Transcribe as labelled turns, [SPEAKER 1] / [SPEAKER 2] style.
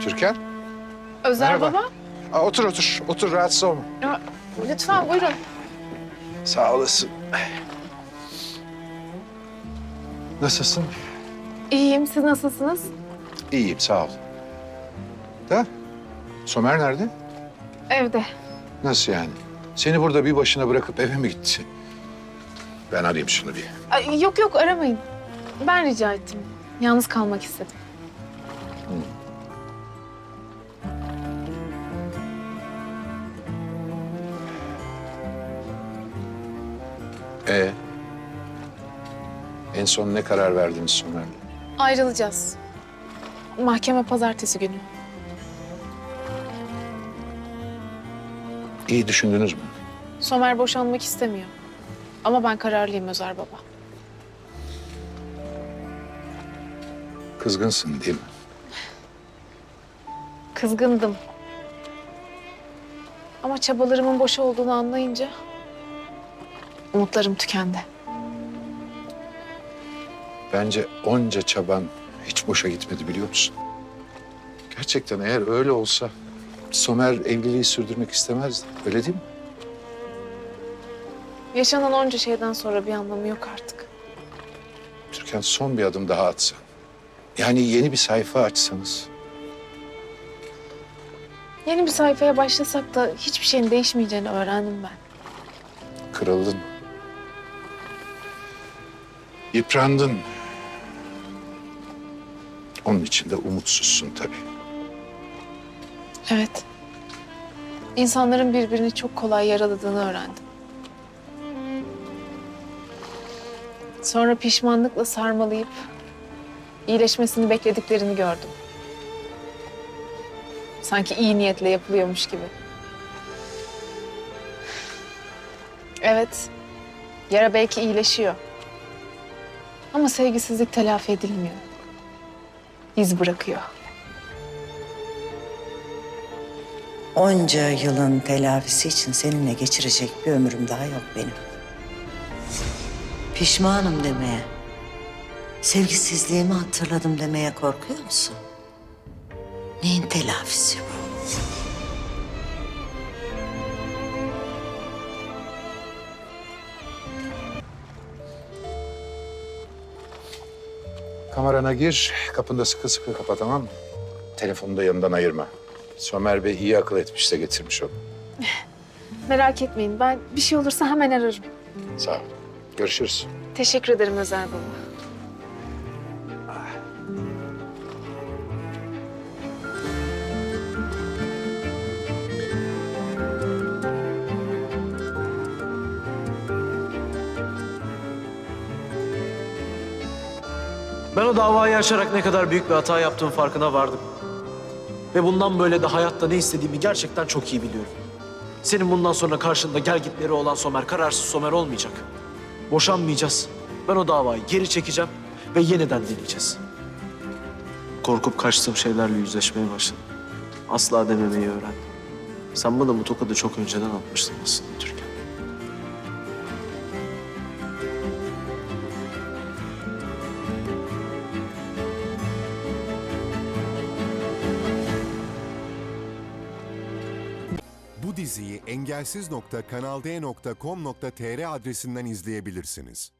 [SPEAKER 1] Türkan.
[SPEAKER 2] Özer
[SPEAKER 1] Merhaba.
[SPEAKER 2] baba.
[SPEAKER 1] Otur otur. Otur, rahatsız olma.
[SPEAKER 2] Ya, lütfen buyurun.
[SPEAKER 1] Sağ olasın. Nasılsın?
[SPEAKER 2] İyiyim, siz nasılsınız?
[SPEAKER 1] İyiyim, sağ ol. Da, Somer nerede?
[SPEAKER 2] Evde.
[SPEAKER 1] Nasıl yani? Seni burada bir başına bırakıp eve mi gitti? Ben arayayım şunu bir.
[SPEAKER 2] Ay, yok yok aramayın. Ben rica ettim. Yalnız kalmak istedim.
[SPEAKER 1] Ee, en son ne karar verdiniz Somer'le?
[SPEAKER 2] Ayrılacağız. Mahkeme pazartesi günü.
[SPEAKER 1] İyi düşündünüz mü?
[SPEAKER 2] Somer boşanmak istemiyor. Ama ben kararlıyım Özer baba.
[SPEAKER 1] Kızgınsın değil mi?
[SPEAKER 2] Kızgındım. Ama çabalarımın boşa olduğunu anlayınca umutlarım tükendi.
[SPEAKER 1] Bence onca çaban hiç boşa gitmedi, biliyor musun? Gerçekten eğer öyle olsa Somer evliliği sürdürmek istemezdi. Öyle değil mi?
[SPEAKER 2] Yaşanan onca şeyden sonra bir anlamı yok artık.
[SPEAKER 1] Türkan, son bir adım daha atsan. Yani yeni bir sayfa açsanız.
[SPEAKER 2] Yeni bir sayfaya başlasak da hiçbir şeyin değişmeyeceğini öğrendim ben.
[SPEAKER 1] Kırıldın. Yıprandın. Onun için de umutsuzsun tabii.
[SPEAKER 2] Evet. İnsanların birbirini çok kolay yaraladığını öğrendim. Sonra pişmanlıkla sarmalayıp iyileşmesini beklediklerini gördüm. Sanki iyi niyetle yapılıyormuş gibi. Evet, yara belki iyileşiyor. Ama sevgisizlik telafi edilmiyor. İz bırakıyor.
[SPEAKER 3] Onca yılın telafisi için seninle geçirecek bir ömrüm daha yok benim. Pişmanım demeye, sevgisizliğimi hatırladım demeye korkuyor musun? Neyin telafisi bu?
[SPEAKER 1] Kamerana gir, kapını da sıkı sıkı kapa, tamam mı? Telefonu da yanından ayırma. Somer Bey iyi akıl etmiş de getirmiş onu.
[SPEAKER 2] Merak etmeyin, ben bir şey olursa hemen ararım.
[SPEAKER 1] Sağ ol. Görüşürüz.
[SPEAKER 2] Teşekkür ederim Özer baba.
[SPEAKER 4] Ben o davayı açarak ne kadar büyük bir hata yaptığım farkına vardım. Ve bundan böyle de hayatta ne istediğimi gerçekten çok iyi biliyorum. Senin bundan sonra karşında gelgitleri olan Somer, kararsız Somer olmayacak. Boşanmayacağız. Ben o davayı geri çekeceğim ve yeniden deneyeceğiz. Korkup kaçtığım şeylerle yüzleşmeye başladım. Asla dememeyi öğrendim. Sen bana bu tokadı çok önceden atmıştın aslında Türkan.
[SPEAKER 5] Bu diziyi engelsiz.kanalde.com.tr adresinden izleyebilirsiniz.